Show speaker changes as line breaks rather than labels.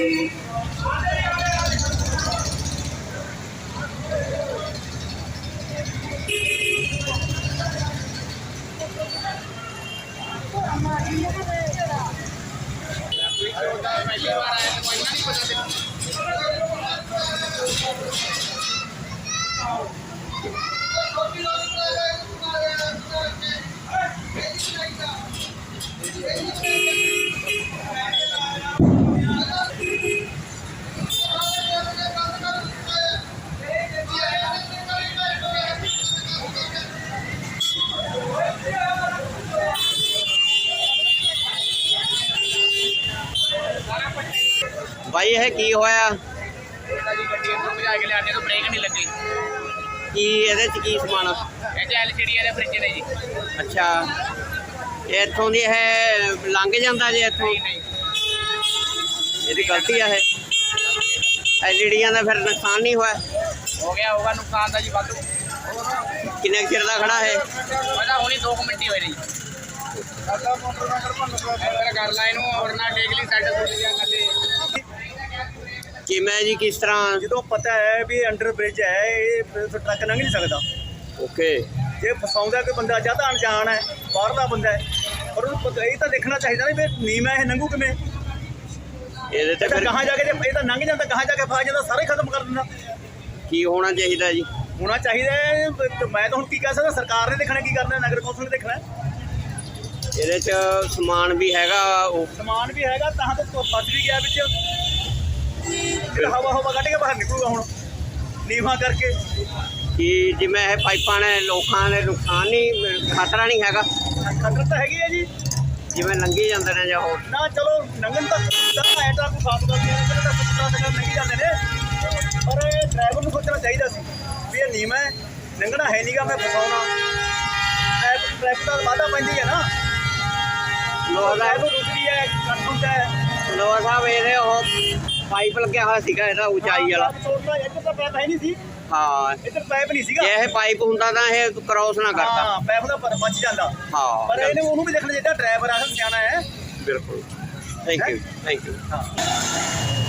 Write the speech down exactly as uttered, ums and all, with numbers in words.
भाई यह की होया
ब्रेक नहीं लगी
की ਇਹਦੇ ਚ ਕੀ ਸਮਾਨ
एलसीडी फ्रिज ने जी।
अच्छा इतों दी है लंघ जाता जे इतों ਇਹਦੀ गलती है एलईडियां का फिर नुकसान नहीं हुआ
हो गया होगा नुकसान का जी वाधू
किन्ने चिर का खड़ा है
पता होनी दो मिनट ही होए जी कर ला इनू और ना टेक ली साइड
किमें जी किस तरह
जो पता है भी अंडर ब्रिज है ये ट्रक लंघ नहीं सकता
ओके
जे फसाउंदा कोई बंदा ज्यादा अनजान है बाहर का बंदा है पर उन्होंने ये तो देखना चाहिए ना भी नीम है लंघू किमें
ਇਹਦੇ ਤੇ ਫਿਰ
कहाँ जाके ये तो लंघ जाता कहाँ जाके फस जाता सारे खत्म कर देना
ਕੀ ਹੋਣਾ ਚਾਹੀਦਾ ਜੀ
होना चाहिए तो मैं तो हूँ की कह सकता सरकार ने देखना की करना नगर कौंसल ने देखना
ਇਹਦੇ ਚ ਸਮਾਨ ਵੀ ਹੈਗਾ ਉਹ
समान भी हैगा तहाँ तो फस भी गया बिच हवा हवा कट के बाहर निकलूगा हूँ नीवा करके
कि जिमें ਇਹ ਪਾਈਪਾਂ ਨੇ ਲੋਕਾਂ ਦੇ ਨੁਕਸਾਨ ਨਹੀਂ ਖਤਰਾ ਨਹੀਂ ਹੈਗਾ
खतर तो हैगी है जी
ਜਿਵੇਂ ਲੰਘੀ ਜਾਂਦੇ ਨੇ ਜਾਂ ਹੋਰ
ना चलो लंघन तक है तो कोई खास गल नहीं है लंघी जाते हैं पर ड्राइवर को सोचना चाहिए सी भी ये नीम है लंघना है नहीं गा मैं फसाउना ट्रैफिक का वाधा पैंदी है ना
ਲੋਹਾ ਦਾ
ड्राइवर रुकती है कट होता है
ਲੋਹਾ ਸਾਹਿਬ ਇਹਦੇ ਉਹ ਪਾਈਪ ਲੱਗਿਆ ਹੋਇਆ ਸੀਗਾ ਇਹਦਾ ਉਚਾਈ ਵਾਲਾ
छोड़ना इधर तो पैप है नहीं सी
ਹਾਂ
इधर पैप नहीं सीगा
ਜੇ ਇਹ ਪਾਈਪ ਹੁੰਦਾ ਤਾਂ ਇਹ ਕ੍ਰੋਸ ਨਾ ਕਰਦਾ
हाँ पैप का बच जाता
ਹਾਂ
पर इन्हें उन्होंने भी देखना चाहिए ड्राइवर आ जाना है
ਬਿਲਕੁਲ ਥੈਂਕ ਯੂ ਥੈਂਕ ਯੂ
हाँ